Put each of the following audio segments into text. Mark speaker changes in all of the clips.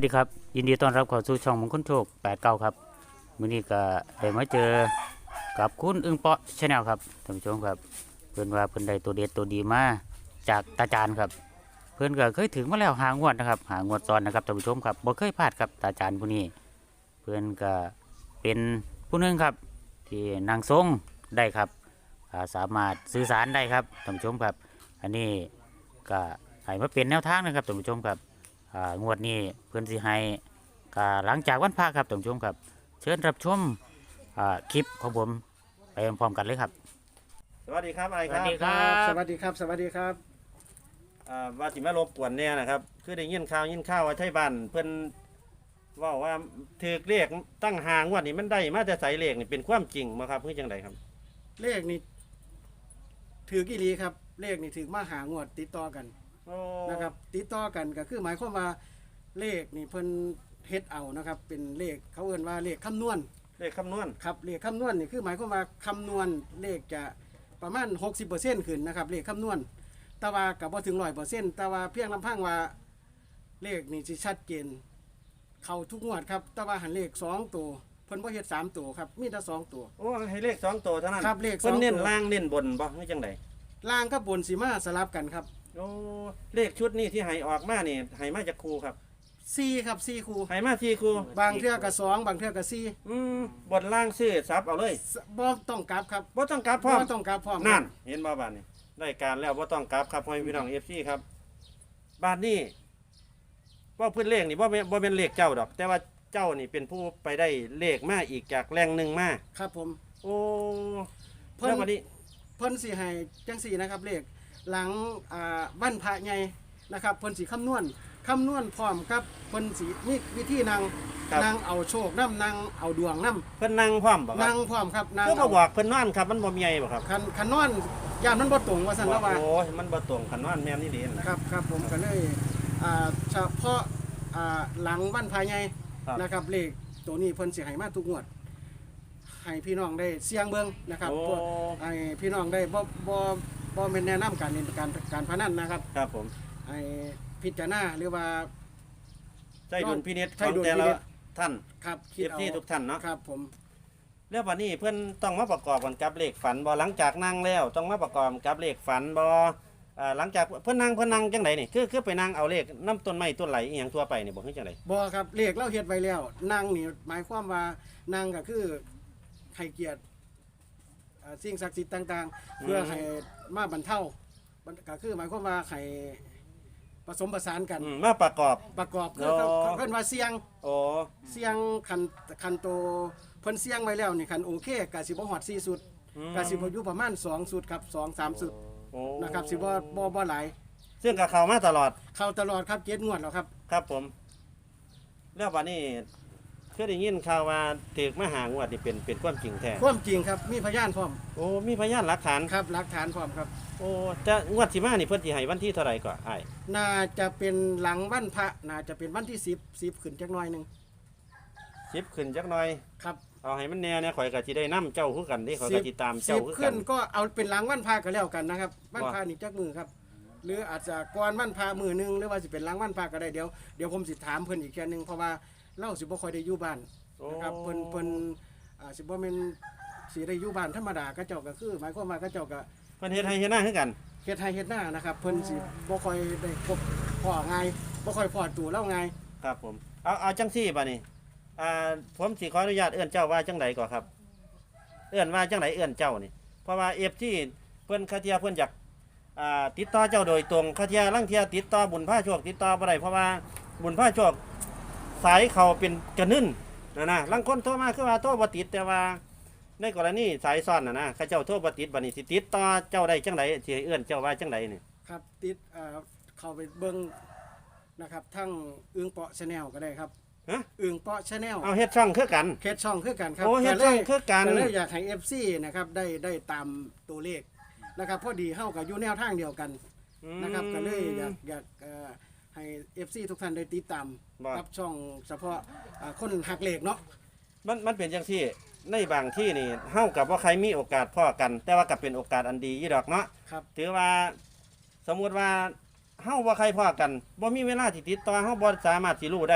Speaker 1: ดีครับยินดีต้อนรับเข้าสู่ช่องมงคลโชค89ครับมื้อนี้ก็ได้มาเจอกับคุณอึ้งเปาะชาแนลครับท่านผู้ชมครับเพิ่นว่าเพิ่นได้ตัวเด็ดตัวดีมาจากตาจานครับเพิ่นก็เคยถึงมาแล้วหางวดนะครับหางวดซ้อนนะครับท่านผู้ชมครับบ่เคยพลาดครับตาจานผู้นี้เพิ่นก็เป็นผู้หนึงครับที่นางทรงได้ครับสามารถสื่อสารได้ครับท่านผู้ชมครับอันนี้ก็ให้มาเป็นแนวทางนะครับท่านผู้ชมครับงวดนี้เพื่อนสิให้หลังจากวันพระครับท่านผู้ชมครับเชิญรับชมคลิปของผมไปพร้อมๆกันเลยครับ
Speaker 2: สวัสดีครับไอ้ครับ
Speaker 1: สวัสดีครับ
Speaker 3: สวัสดีครับสวัสดีครับ
Speaker 2: ว่าสิมารบกวนเนี่ยนะครับคือได้ยินข่าวว่าไทยบ้านเพิ่นว่าถือเลขตั้งหางวดนี้มันได้มาแต่ใส่เลขนี่เป็นความจริงบ่ครับคือจังไดครับ
Speaker 3: เลขนี่ถือกี่ลีครับเลขนี่ถือมาหางวดติดต่อกัน
Speaker 2: โอ้
Speaker 3: นะครับติดต่อกันก็คือหมายความว่าเลขนี่เพิ่นเฮ็ดเอานะครับเป็นเลขเขาเอิ้นว่าเลขคำนวณ
Speaker 2: เลขคำนวณ
Speaker 3: ครับเลขคำนวณนี่คือหมายความว่าคำนวณเลขจะประมาณ 60%ขึ้นนะครับเลขคำนวณแต่ว่าก็บ่ถึง 100%แต่ว่าเพียงลำพังว่าเลขนี่สิชัดเจนเข้าทุกงวดครับแต่ว่าหันเลข2ตัวเพิ่นบ่เฮ็ด3ตัวครับมีแต่2ตัว
Speaker 2: โอ้ให้เลข2ตัวเท่านั้น
Speaker 3: ครับเลข
Speaker 2: เพิ่น
Speaker 3: 2
Speaker 2: เน้น
Speaker 3: ตัว
Speaker 2: ล่างเน้นบนบ่คือจังได
Speaker 3: ล่างกับบนสิมาสลับกันครับ
Speaker 2: โอ้เลขชุดนี้ที่ให้ออกมานี่ให้มาจากครูครับ
Speaker 3: 4ครับ4คู่
Speaker 2: ให้มาที่ครู
Speaker 3: บางเทื่อก็2บางเทื่อก็
Speaker 2: บนล่างซื้อซับเอาเลย
Speaker 3: 4บ่ต้องกลับครับ
Speaker 2: บ่ต้องกลับพร้อม
Speaker 3: บ่ต้องกลับพร้อม
Speaker 2: นั่นเห็นบ่บาดนี้ได้การแล้วบ่ต้องกลับครับพ่อพี่น้อง FC ครับบาดนี้ว่าเพิ่นเลขนี่บ่เป็นเลขเจ้าดอก แต่ว่าเจ้านี่เป็นผู้ไปได้เลขมาอีกจากแหล่งหนึ่งมา
Speaker 3: ครับผม
Speaker 2: โอ้
Speaker 3: เพิ่น
Speaker 2: แล้ววันนี้
Speaker 3: เพิ่นสิให้จังซี่นะครับเลขหลังวันพระใหญ่นะครับเพิ่นสิคำนวณพร้อมกับเพิ่นสิมีวิธีนั่งเอาโชคนํนั่งเอาดวงนํ
Speaker 2: เพิ่นนั่งพร้อมบ่ครั
Speaker 3: นั่
Speaker 2: บ
Speaker 3: งพร้อมครับนั่ง
Speaker 2: ก็มาบอกเพิ่นนอนครับมันบ่มีไงบ่ครับ
Speaker 3: คันนอนย่านมันบ่ตรงว่าซั่นแล้วว่า
Speaker 2: โอ้ยมันบ่ตรงคันนอนแม่นนี่ดีนะครับ
Speaker 3: ครับผมก็เลยเฉพาะหลังวันพระใหญ่
Speaker 2: ครับ
Speaker 3: นะครับเลขตัวนี้เพิ่นสิให้มาทุกงวดให้พี่น้องได้เสี่ยงเบิ่งนะครับ
Speaker 2: โอ้
Speaker 3: ให้พี่น้องได้บ่แม่นแนะนำการเล่นการพนันนะครับ
Speaker 2: ครับผม
Speaker 3: ให้พิจารณาหรือว่า
Speaker 2: ใจดุลพินิจข
Speaker 3: ใช้
Speaker 2: อง
Speaker 3: ดุล
Speaker 2: แต่
Speaker 3: พิ
Speaker 2: ละ
Speaker 3: นิจ
Speaker 2: ท่าน
Speaker 3: ครับคิดเอา
Speaker 2: FC ทุกท่านเนาะ
Speaker 3: ครับผม
Speaker 2: แล้ววันนี้เพิ่นต้องมาประกอบกันกับเลขฝันบ่หลังจากนั่งแล้วต้องมาประกอบกับเลขฝันบ่หลังจากเพิ่นนั่งจังไดนี่คือไปนั่งเอาเลขน้ำต้นไม้ต้นไหลอีหยังทั่วไปนี่บ่คือจังได
Speaker 3: บ่ครับเลขเราเฮ็ดไว้แล้วนั่งนี่หมายความว่านั่งก็คือให้เกียรติสิ่งศักดิ์สิทธิ์ต่างๆ เพื่อให้มาบรรเทาก็คือหมายความว่าให้ผสมผสานกัน
Speaker 2: มาประกอบ
Speaker 3: ประกอบคือ
Speaker 2: อ๋อ
Speaker 3: เขาเพิ่นว่าเสียง
Speaker 2: โอ้
Speaker 3: เสียงคันโตเพิ่นเสียงไว้แล้วนี่คันโอเคก็สิบ่ฮอด4สุดก็สิบ่อยู่ประมาณ2สุดครับ2 3สุด
Speaker 2: โอ้
Speaker 3: นะครับสิบ่หลาย
Speaker 2: ซึ่งก็เข้ามาตลอด
Speaker 3: เข้าตลอดครับ7งวดแล้วครับ
Speaker 2: ครับผม แล้ววันนี้เคยได้ยินข่าวว่าถูกมาหางวดนี่เป็นความจริงแท้
Speaker 3: ความจริงครับมีพยานพร้อม
Speaker 2: โอ้มีพยานหลักฐาน
Speaker 3: ครับหลักฐานพร้อมครับ
Speaker 2: โอ้แต่งวดสิมานี่เพิ่นสิให้วันที่เท่าไหร่ก่อนอ้าย
Speaker 3: น่าจะเป็นหลังวันพระน่าจะเป็นวันที่10ขึ้นจักหน่อยหนึง
Speaker 2: 10ขึ้นจักหน่อย
Speaker 3: ครับ
Speaker 2: เอาให้มันแน่เนี่ยข่อยก็สิได้นํเจ้าคือกันเด้ข่อยก็สิตามเจ้าคือ
Speaker 3: 10
Speaker 2: กั
Speaker 3: ขึ้
Speaker 2: น
Speaker 3: นก็เอาเป็นหลังวันพระก็แล้วกันนะครับวันพระนี่จักมือครับ หรืออาจจะก่อนวันพระมือหนึงหรือว่าสิเป็นหลังวันพระก็ได้เดี๋ยวผมสิถามเพิ่นอีกแค่ยหนึงเพราะว่าเราสิบ่ค่อยได้อยู่บ้าน
Speaker 2: โอ้
Speaker 3: นะครับเพิ่นสิบ่แม่นสิได้อยู่บ้านธรรมดาก็เจ้าก็คือหมายความว่าก็เจ้าก็
Speaker 2: เพิ่นเฮ็ดให้เฮ็ดหน้าคือกัน
Speaker 3: เฮ็ดไร่เฮ็ดนานะครับเพิ่นสิบ่ค่อยได้พบพ่อง่ายบ่ค่อยพอตัวเราง่าย
Speaker 2: ครับผมเอาจังซี่บัดนี้ผมสิขออนุญาตเอื้อนเจ้าว่าจังไดก่อนครับ เอื้อนว่าจังไดเอื้อนเจ้านี่เพราะว่า FT เพิ่นคาเทียเพิ่นอยากติดต่อเจ้าโดยตรงคาเทียลังเทียติดต่อบุญพาโชคติดต่อบ่ได้เพราะว่าบุญพาโชคสายเขาเป็นกระนึ่นนะลังคนโทรมาคือว่าโทรบ่ติดแต่ว่าในกรณีสายซ่อนนะเขาเจ้าโทรบ่ติดบัดนี้สิติดต่อเจ้าได้จังไดสิให้เอื้อนเจ้าว่าจังไดนี่
Speaker 3: ครับติดเข้าไปเบิ่งนะครับทั้งอึ่งเปาะ Channel ก็ได้ครับ
Speaker 2: ฮะ
Speaker 3: อึ่งเปาะ Channel
Speaker 2: เอาเฮ็ดช่องคือกัน
Speaker 3: เคสช่องคือกันครับ
Speaker 2: โอ้เฮ็ดช่องคือกัน
Speaker 3: ก็เลยอยากให้ FC นะครับได้ตามตัวเลขนะครับพอดีเฮากับอยู่แนวทางเดียวกันนะครับก็เลยอยากให้ FC ทุกท่านได้ติดตาม
Speaker 2: บ่
Speaker 3: รับช่องเฉพาะคนหักเลขเนาะ
Speaker 2: มันเป็นจังที่ในบางที่นี่เฮากับว่าใครมีโอกาสพ่อกัน แต่ว่าก็เป็นโอกาสอันดียี่ดอกเนาะ
Speaker 3: ครับ
Speaker 2: ถือว่าสมมุติว่าเฮาว่าใครพ่อกันบ่มีเวลาที่ติดต่อเฮาบ่สามารถสิรู้ได้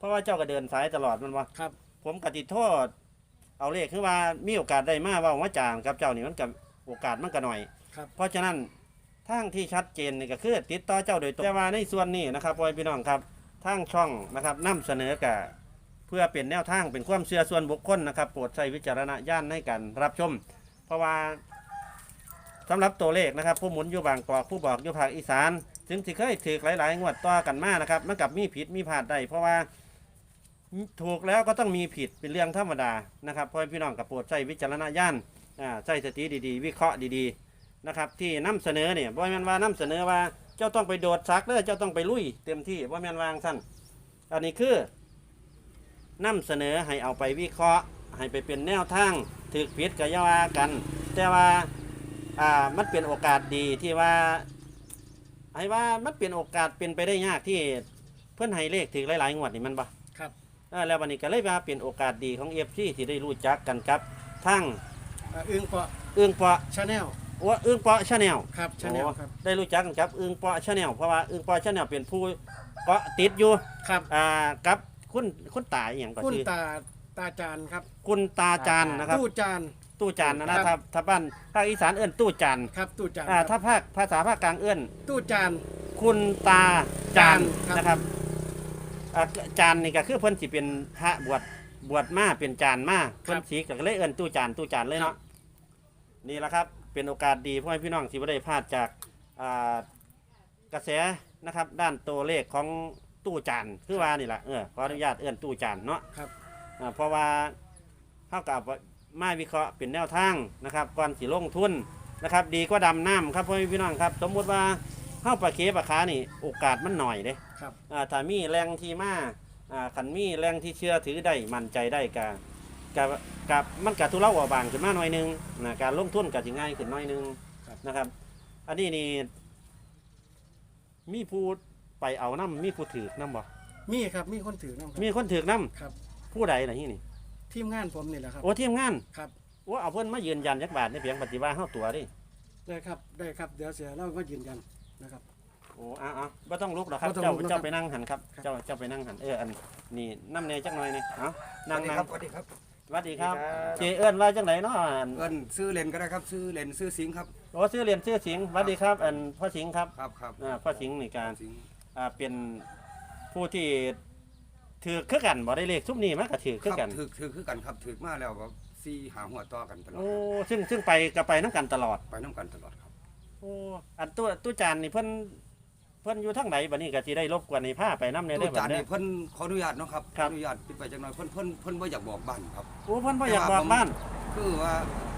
Speaker 2: เพราะว่าเจ้าก็เดินสายตลอดมันว่า
Speaker 3: ครับ
Speaker 2: ผมกติโทษเอาเลขคือว่ามีโอกาสได้มาเว่าว่าจางกับเจ้านี่มันกับโอกาสมันก็หน่อย
Speaker 3: ครับ
Speaker 2: เพราะฉะนั้นทางที่ชัดเจนนี่ก็คือติดต่อเจ้าโดยตรงแต่ว่าในส่วนนี้นะครับพ่อพี่น้องครับทางช่องนะครับนำเสนอกับเพื่อเป็นแนวทางเป็นความเชื่อส่วนบุคคลนะครับโปรดใช้วิจารณญาณในการรับชม เพราะว่าสำหรับตัวเลขนะครับผู้หมุนอยู่บางกอกผู้บอกอยู่ภาคอีสานถึงที่เคยถือหลายๆงวดต่อกันมานะครับมันกับมีผิดมีพลาดได้เพราะว่าถูกแล้วก็ต้องมีผิดเป็นเรื่องธรรมดานะครับพ่อพี่น้องกับโปรดใช้วิจารณญาณใช้สติดีๆวิเคราะห์ดีๆนะครับที่นำเสนอเนี่ยบ่แม่นว่านำเสนอว่าเจ้าต้องไปโดดซักเด้อเจ้าต้องไปลุยเต็มที่บ่แม่นวางสั้นอันนี้คือนำเสนอให้เอาไปวิเคราะห์ให้ไปเป็นแนวทางถือผิดก็อย่าว่ากัน แต่ว่ามันเป็นโอกาสดีที่ว่าให้ว่ามันเป็นโอกาสเป็นไปได้ยากที่เพื่อนให้เลขถึงหลายๆงวดนี่มันบ่
Speaker 3: ครับ
Speaker 2: แล้ววันนี้ก็เลยว่าเป็นโอกาสดีของFCที่ได้รู้จักกันครับทั้ง
Speaker 3: อึ้งเปาะ
Speaker 2: อึ้งเปาะ
Speaker 3: ชาแนล
Speaker 2: ว่าอึ้งเปาะชาแนล
Speaker 3: ครับชาแนลครับ
Speaker 2: ได้รู้จักกันครับอึ้งเปาะชาแนลเพราะว่าอึ้งเปาะชาแนลเป็นผู้เกาะติดอยู่
Speaker 3: ครับ
Speaker 2: กับคุณตาอหย่างก็
Speaker 3: คุณ
Speaker 2: คือ
Speaker 3: ตาจานครับ
Speaker 2: คุณตาจานนะครับ
Speaker 3: ตู้จาน
Speaker 2: ตู้จานนะครับถ้าบ้านภาคอีสานเอื้อนตู้จาน
Speaker 3: ครับตู้จาน
Speaker 2: ถ้าภาษาภาคกลางเอื้อน
Speaker 3: ตู้จาน
Speaker 2: คุณตาจาน
Speaker 3: ครับ
Speaker 2: นะครับจานนี่ก็คือเพิ่นสิเป็นพระบวชมาเป็นจานมาเพิ่นสิก็เลยเอิ้นตู้จานเลยเนาะนี่แหละครับเป็นโอกาสดีพ่อแม่พี่น้องที่บ่ได้พลาดจากกระแสนะครับด้านตัวเลขของตู้จานคือว่านี่แหละขออนุญาตเอิ้นตู้จานเนาะ
Speaker 3: ครับ
Speaker 2: เพราะว่าเท่ากับมาวิเคราะห์เป็นแนวทางนะครับก่อนสิลงทุนนะครับดีกว่าดำน้ำครับพ่อแม่พี่น้องครับสมมุติว่าเข้าปลาเค็ปลาคานี่โอกาสมันหน่อยเด้
Speaker 3: ครับ
Speaker 2: ถ้ามีแรงที่มาขันมีแรงที่เชื่อถือได้มั่นใจได้กับมันกับทุเลาบางขึ้นมาหน่อยหนึงนะการลงทุนกับสิง่ายขึ้นหน่อยหนึงนะครับ อันนี้นี่มีผู้ไปเอาน้ำมีผู้ถือน้ำบ่
Speaker 3: มีครับมีคนถือน้ำครับ
Speaker 2: มีคนถือน้
Speaker 3: ครับ
Speaker 2: ำผู้ใดล่ะนี่
Speaker 3: ทีมงานผมนี่แหละครับ
Speaker 2: โอ้ทีมงาน
Speaker 3: ครับ
Speaker 2: โอ้เอาเพิ่นมายืนยันยักบาทในเพียงปฏิบัติเฮาตัวดิ
Speaker 3: ได้ครับได้ครับเดี๋ยวเสียเราก็ยืนยันนะครับ
Speaker 2: โอ้บ่ต้องลุกหรอกครับ
Speaker 3: บ่ต้อง
Speaker 2: เจ้า
Speaker 3: ลุกนะครับ
Speaker 2: เจ้าไปนั่งหันครับ
Speaker 3: ครับ
Speaker 2: เจ้าไปนั่งหันอันนี่น้ำเนยจักหน่อยนี่เอานั่ง
Speaker 4: สวัสดีครับ
Speaker 2: สวัสดีครับ
Speaker 4: สวัสดีครับ
Speaker 2: เจเอิ้นว่าจังไดเนาะ
Speaker 4: เอิ้นซื้อเลนก็ได้ครับซื้อเลนซื้อสิงห์ครับ
Speaker 2: โอ้ชื่อเรียนชื่อสิงห์สวัสดีครับพ่อสิงห์ครับ
Speaker 4: ครับ
Speaker 2: พ่อสิงห์นี่การ
Speaker 4: สิงห์
Speaker 2: เป็นผู้ที่ถือคือกันบ่ได้เลขซุปนี้มันก็ถือคือกัน
Speaker 4: ถือคือกันครับถือมาแล้วก็4 5หัวต่อกันตลอด
Speaker 2: โอ้ซึ่งไปก็ไปน้ำกันตลอด
Speaker 4: ไปน้ำกันตลอดครับ
Speaker 2: โอ้อันตู้จานนี่เพิ่นอยู่ทางไหนบัดนี้ก็สิได้รบกวนให้พาไปน้ำใน
Speaker 4: ตู้
Speaker 2: ได้อบั
Speaker 4: จา
Speaker 2: ด
Speaker 4: น
Speaker 2: นี้
Speaker 4: นี่เพิ่นขออนุญาตเนาะครับข
Speaker 2: ครั
Speaker 4: อบ อนุญาตปิดไปจังหน่อยเพิ่นบ่อยากบอกบ้านครับ
Speaker 2: โอ้เพิ่นบ่อยากบอกบ้าน
Speaker 4: คือว่า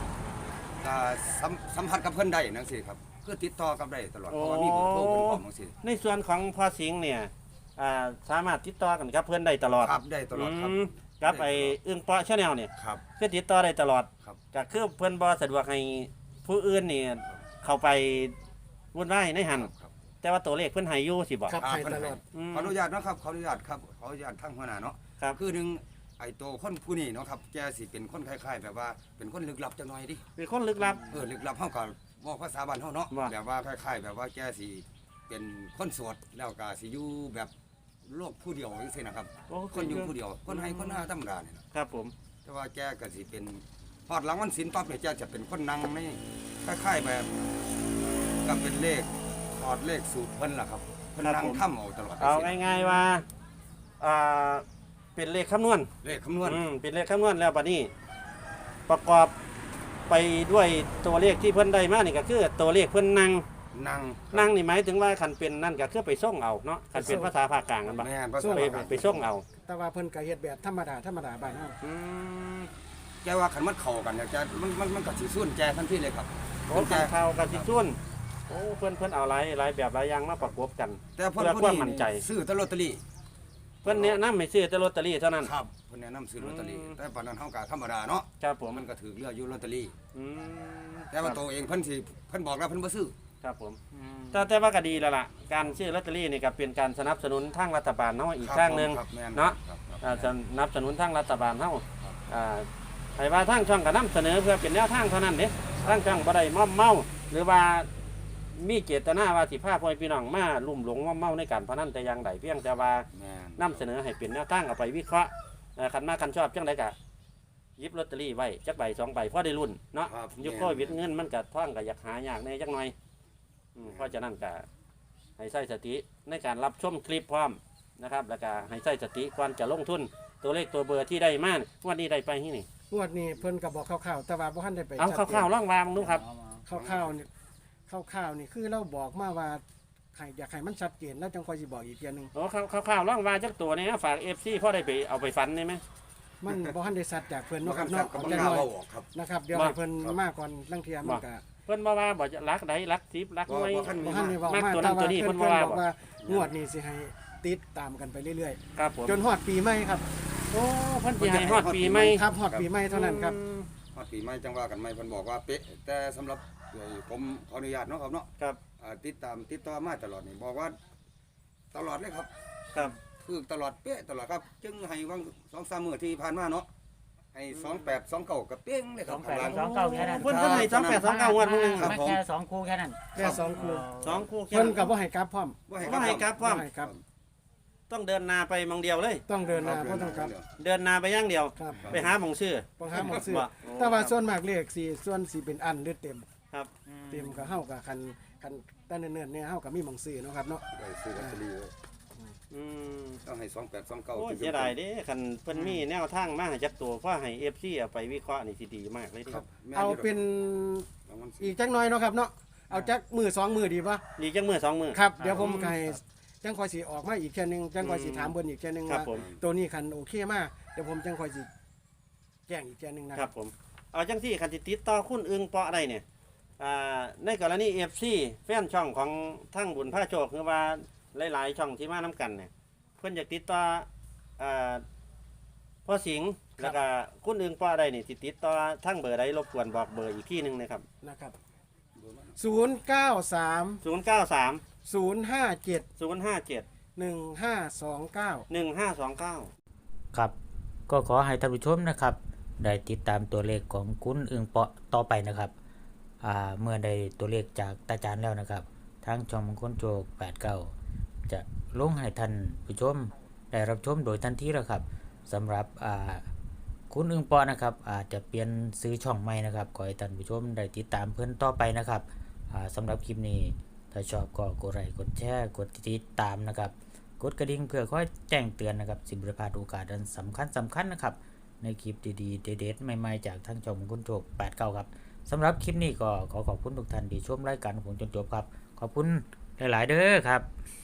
Speaker 4: สัมผัสกับเพิ่นได้จังซี่ครับคือติดต่อกับได้ตลอดเพราะว่ามีเบอร์โทรเพิ่นพร้อมจังซี่
Speaker 2: ในส่วนของพ่อสิงห์เนี่ยสามารถติดต่อกันกับเพื่อนได้ตลอด
Speaker 4: ครับได้ตลอดครับ
Speaker 2: กับไอ้อึ้งเปาะชาแนลเนี่ย
Speaker 4: ครับ
Speaker 2: คือติดต่อได้ตลอด
Speaker 4: ครับ
Speaker 2: ก็คือเพื่อนบ่สะดวกให้ผู้อื่นนี่เข้าไปวุ่นวายในหัน
Speaker 4: ครับ
Speaker 2: แต่ว่าตัวเลขเพื่อนให้อยู่สิบอก
Speaker 3: ครับให้
Speaker 4: เพิ่น
Speaker 3: ตลอด
Speaker 2: อืม
Speaker 4: ขออนุญาตเนาะครับขออนุญาตครับขออนุญาตทางหัวหน้าเนาะ
Speaker 2: ครับ
Speaker 4: คือหนึ่งไอ้ตัวคนผู้นี้เนาะครับแกสิเป็นคนคล้ายๆแบบว่าเป็นคนลึกลับจังหน่อยดิ
Speaker 2: เป็นคนลึกลับ
Speaker 4: ลึกลับเฮาก็บอกภาษาบ้านเฮาเนาะ
Speaker 2: ว่า
Speaker 4: แบบว่าคล้ายๆแบบว่าแกสิเป็นคนโสดแล้วก็สิอยู่แบบโลกผู้เดียวจังซี่นะครับ
Speaker 2: โอ้
Speaker 4: คนอยู่ผู้เดียวคนให้คนหน้าธรรมดาเนี่ยนะครับ
Speaker 2: ผม
Speaker 4: แต่ว่าแกก็สิเป็นพอดหลังวันศีลปั๊บเนี่ยแกจะเป็นคนนั่งในคล้ายๆแบบก็เป็นเลขถอดเลขสูตรเพิ่นล่ะครับเพิ่นนั่งทำเอาตลอด
Speaker 2: เอาง่ายๆว่าเป็นเลขคำนวณ
Speaker 4: เลขคำนวณ
Speaker 2: เป็นเลขคำนวณแล้วบัดนี้ ประกอบไปด้วยตัวเลขที่เพิ่นได้มานี่ก็คือตัวเลขเพิ่นนั่ง
Speaker 4: นั่ง
Speaker 2: นั่งนี่หมายถึงว่าคันเป็นนั่นก็คือไปส่งเอาเนาะคันเป็นภาษาภาคกลางกันบ่
Speaker 4: แม่นภาษา
Speaker 2: ไปส่งเอา
Speaker 3: แต่ว่าเพิ่นก็เฮ็ดแบบธรรมดาบ้านเฮา
Speaker 2: อืม
Speaker 4: แกว่าขันมันเข้ากันเนี่ยแกมันก็สิส่วนแกทันทีเลยครับ
Speaker 2: โอ้คันข่าวกับสิส่วนโอ้เพิ่นเอาหลายแบบหลายอย่างมาประกบกัน
Speaker 4: แต่เพิ่น
Speaker 2: เพื่อ
Speaker 4: ผู้
Speaker 2: ความ
Speaker 4: นี้
Speaker 2: มั่นใจ
Speaker 4: ซื้อแตลอตเตอรี่
Speaker 2: เพิ่นแนะนำให้ซื้อแต่ลอตเตอรี่เท่านั้น
Speaker 4: ครับเพิ่นแนะนำซื้อลอตเตอรี่
Speaker 2: อืม
Speaker 4: แต่ปานนั้นเฮาก็ธรรมดาเนาะ
Speaker 2: ครับผม
Speaker 4: มันก็ถือเรืออยู่ลอตเตอรี่
Speaker 2: อืม
Speaker 4: แต่ว่าตัวเองเพิ่นสิเพิ่นบอกแล้วเพิ่นบ่ซื้อ
Speaker 2: ครับผมแต่ว่าก็ดีแล้วล่ะการซื้อลอตเตอรี่นี่ก็เป็นการสนับสนุนทางรัฐบาลเนาะอีกทางหนึง
Speaker 4: ครับแม่
Speaker 2: เนาะ
Speaker 4: ครับ
Speaker 2: สนับสนุนทางรัฐบาลเฮาให้ว่าทางช่องก็นำเสนอเพื่อเป็นแนวทางเท่านั้นเด้ทางช่องบ่ได้มอมเมาหรือว่ามีเจตนาว่าสิพาพ่อแม่พี่น้องมาลุ่มหลงว่าเมาในการพนันแต่อย่างใดเพียงแต่ว่า
Speaker 4: แม่น
Speaker 2: นำเสนอให้เป็นแนวทางเอาไปวิเคราะห์คันมาคันชอบจังไดก็หยิบลอตเตอรี่ไว้จักใบ2ใบพอได้รุ่นเนาะ
Speaker 4: ครับ
Speaker 2: ยุคโควิดเงินมันก็ท่องก็อยากหายากแน่จักหน่อยเพราะฉะนั้นก็ให้ใช้สติในการรับชมคลิปพร้อมนะครับแล้วก็ให้ใช้สติก่อนจะลงทุนตัวเลขตัวเบอร์ที่ได้มาวันนี้ได้ไปที่นี่
Speaker 3: งวดนี้เพิ่นก็บอกคร่าวๆแต่ว่าบ่ทันได้ไป
Speaker 2: เอา
Speaker 3: ชัดเจน
Speaker 2: คร่าวๆล่องวางดูครับ
Speaker 3: คร่าวๆนี่คร่าวๆนี่คือเราบอกมาว่าให้อยากให้มันชัดเจนแล้วจังค่อยสิบอกอีกเทียหนึง
Speaker 2: โอ้คร่าวๆล่องวางจักตัวนี้ฝากFCพ่อได้ไปเอาไปฟันได้ไหม
Speaker 3: มันบ่ทันได้ชัดจากเพิ่นเนาะครับ
Speaker 4: เนาะ
Speaker 3: เนาะ
Speaker 4: กับ
Speaker 3: เอา
Speaker 4: มัน
Speaker 3: จัง
Speaker 4: น่า
Speaker 3: น้อย
Speaker 4: เอาออกครับ
Speaker 3: นะครับเดี๋ยว
Speaker 2: บ่
Speaker 3: ให้เพิ่นมาก่อนลังเทียมันก็
Speaker 2: เพิ่นมาว่าบอกจะรักใดรักทิพรักหน่วย
Speaker 4: บ่ทัน
Speaker 3: บ่ทันได้บอก
Speaker 2: มัก
Speaker 3: มา
Speaker 2: ตัวนั้
Speaker 3: แต่
Speaker 2: น
Speaker 3: ว่า
Speaker 2: ตัวนี้
Speaker 3: เพิ่น
Speaker 2: เพิ่นว่า
Speaker 3: บอกว่างวดนี้สิให้ติดตามกันไปเรื่อย
Speaker 2: ครับผม
Speaker 3: ๆจนฮอดปีใหม่ครับ
Speaker 2: โอ้เพิ่นสิให้ฮอดปีใหม่
Speaker 3: ครับฮอดปีใหม่เท่านั้นครับ
Speaker 4: ฮอดปีใหม่จังว่ากันใหม่เพิ่นบอกว่าเป๊ะแต่สำหรับผมขออนุญาตเนาะครับเนาะ
Speaker 2: ครับ
Speaker 4: ติดต่อมาตลอดนี่บอกว่าตลอดเลยครับ
Speaker 2: ครับ
Speaker 4: คือตลอดเป๊ะตลอดครับ จึงให้วัง2-3มื้อที่ผ่านมาเนาะให้2829กับเป้งเลยครับ
Speaker 1: 2829แค่นั้น
Speaker 2: เพิ่นให้2829งวดมื้อนึง
Speaker 4: ครับ
Speaker 1: ไม่
Speaker 4: ผม
Speaker 1: แค่2คู่แค่นั้น
Speaker 3: แค่สองคู่
Speaker 2: สองคู่แค่
Speaker 3: เพิ่นก็บ่ให้กลับพร้อม
Speaker 4: บ่ให้
Speaker 2: บ่ให้กลับพร้อม
Speaker 3: บ่ให้กลับ
Speaker 2: ต้องเดินนาไปมองเดียวเลย
Speaker 3: ต้องเดินหน้าบ่ต้องกลับ
Speaker 2: เดินนาไปอย่างเดียว
Speaker 3: ครับ
Speaker 2: ไปหาหมองชื่อ
Speaker 3: บ่หาหมองซื้อ
Speaker 2: บ่
Speaker 3: แต่ว่าส่วนมากเลขสิส่วนสิเป็นอันหรือเต็ม
Speaker 2: ครับ
Speaker 3: เต็มก็เฮาก็คันแต่เนิ่นๆเนี่ยเฮาก็มีหมองซื้อเนาะครับเนาะ
Speaker 4: ได้ซื้อลอตเตอรี่ไว้
Speaker 2: อืม
Speaker 4: ต้องให้2829
Speaker 2: โอ้ยเสียดายเด้คันเพิ่นมีแนวทางมาให้จักตัวเพราะให้ FC เอาไปวิเคราะห์นี่สิดีมากเลยเด้
Speaker 4: ครับแม่น
Speaker 3: เอา
Speaker 4: ยู่ดก
Speaker 3: เป็น
Speaker 4: รางวัลสิ
Speaker 3: อีกจักหน่อยเนาะครับเนาะเอาจักมือสองมือดีป่ะ
Speaker 2: ดีจังมื้อ2มื้อ
Speaker 3: ครับเดี๋ยวผมก็ให้จังคอยสิออกมาอีกแค่ยหนึงจังคอยสิถามเบิ่นอีกแค่ยหนึง
Speaker 2: ครับ
Speaker 3: ว่า
Speaker 2: ผม
Speaker 3: ตัวนี้คันโอเคมากเดี๋ยวผมจังคอยสิแจ้งอีกแค่ยหนึงนะ
Speaker 2: ค
Speaker 3: ค
Speaker 2: รั
Speaker 3: รั
Speaker 2: บบ ผมเอาจังที่คันสิติดต่อคุณอึงเปาะได้เนี่ยในกรณี FC แฟนช่องของทั้งบุญพระโชคคือว่าหลายๆช่องที่มานํกันเนี่ยเพิ่นอยากติดต่ออ่าพ่อสิงห์แล้วก็คุณอึงเปาะได้นี่สิติดต่อทั้งเบอร์ใดรบกวนบอกเบอร์อีกที่หนึงนะครับ
Speaker 3: นะครับ 093
Speaker 2: 093
Speaker 3: 057
Speaker 2: 057
Speaker 3: 1529
Speaker 2: 1529
Speaker 1: ครับ ก็ขอให้ท่านผู้ชมนะครับ ได้ติดตามตัวเลขของคุณอึงเปาะต่อไปนะครับ เมื่อได้ตัวเลขจากตาจารย์แล้วนะครับทางช่องมงคลโจก89จะลงให้ท่านผู้ชมได้รับชมโดยทันทีแล้วครับสำหรับคุณอึงเปาะนะครับอาจจะเปลี่ยนซื้อช่องใหม่นะครับขอให้ท่านผู้ชมได้ติดตามเพื่อนต่อไปนะครับสำหรับคลิปนี้ถ้าชอบก็กดไลค์กดแชร์กดติดตามนะครับกดกระดิ่งเพื่อคอยแจ้งเตือนนะครับสิบริพลาดโอกาสอันสำคัญนะครับในคลิปดีๆเด็ดๆใหม่ๆจากทางช่องมงคลโจก89ครับสำหรับคลิปนี้ก็ขอขอบคุณทุกท่านที่ชมรายการของผมจนจบครับขอบคุณหลายๆเด้อครับ